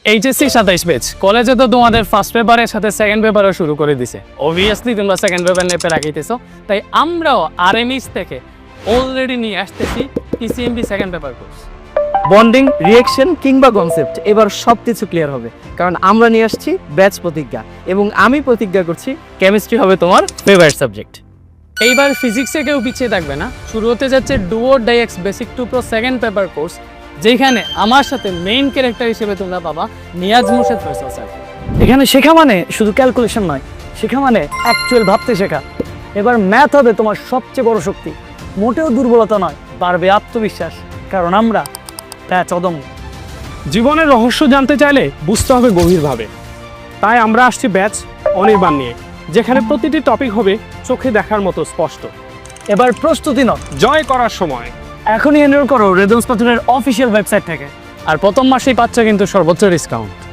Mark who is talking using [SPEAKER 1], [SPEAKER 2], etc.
[SPEAKER 1] HSC 27 batch কলেজে তো তোমাদের ফার্স্ট পেপারের সাথে সেকেন্ড পেপারও শুরু করে দিছে। অবভিয়াসলি তোমরা সেকেন্ড পেপার নেপে রাখিতেছো, তাই আমরাও আরএমএস থেকে অলরেডি নিয়ে আসতেছি TCMB second paper course.
[SPEAKER 2] Bonding, reaction কিংবা কনসেপ্ট এবার সব কিছু ক্লিয়ার হবে, কারণ আমরা নিয়ে আসছি ব্যাচ প্রতিজ্ঞা, এবং আমি প্রতিজ্ঞা করছি কেমিস্ট্রি হবে তোমার ফেভারিট সাবজেক্ট।
[SPEAKER 1] এইবার ফিজিক্সে কেউ পিছিয়ে থাকবে না। শুরু হতে যাচ্ছে do or die X basic to pro second paper course, যেখানে আমার সাথে মেইন ক্যারেক্টার হিসেবে তোমরা পাবা নিয়াজ মুর্শেদ ফয়সাল স্যার।
[SPEAKER 2] এখানে শেখা মানে শুধু ক্যালকুলেশন নয়, শেখা মানে অ্যাকচুয়াল ভাবতে শেখা। এবার ম্যাথ হবে তোমার সবচেয়ে বড় শক্তি, মোটেও দুর্বলতা নয়, বাড়বে আত্মবিশ্বাস, কারণ আমরা ব্যাচ অদম্য।
[SPEAKER 3] জীবনের রহস্য জানতে চাইলে বুঝতে হবে গভীরভাবে, তাই আমরা আসছি ব্যাচ অনির্বাণ নিয়ে, যেখানে প্রতিটি টপিক হবে চোখে দেখার মতো স্পষ্ট।
[SPEAKER 2] এবার প্রস্তুতি নাও,
[SPEAKER 3] জয় করার সময়।
[SPEAKER 2] এখনই এনরোল করো রেদমস পাথরের অফিসিয়াল ওয়েবসাইট থেকে।
[SPEAKER 1] আর প্রথম মাসেই পাচ্ছ কিন্তু সর্বোচ্চ ডিসকাউন্ট।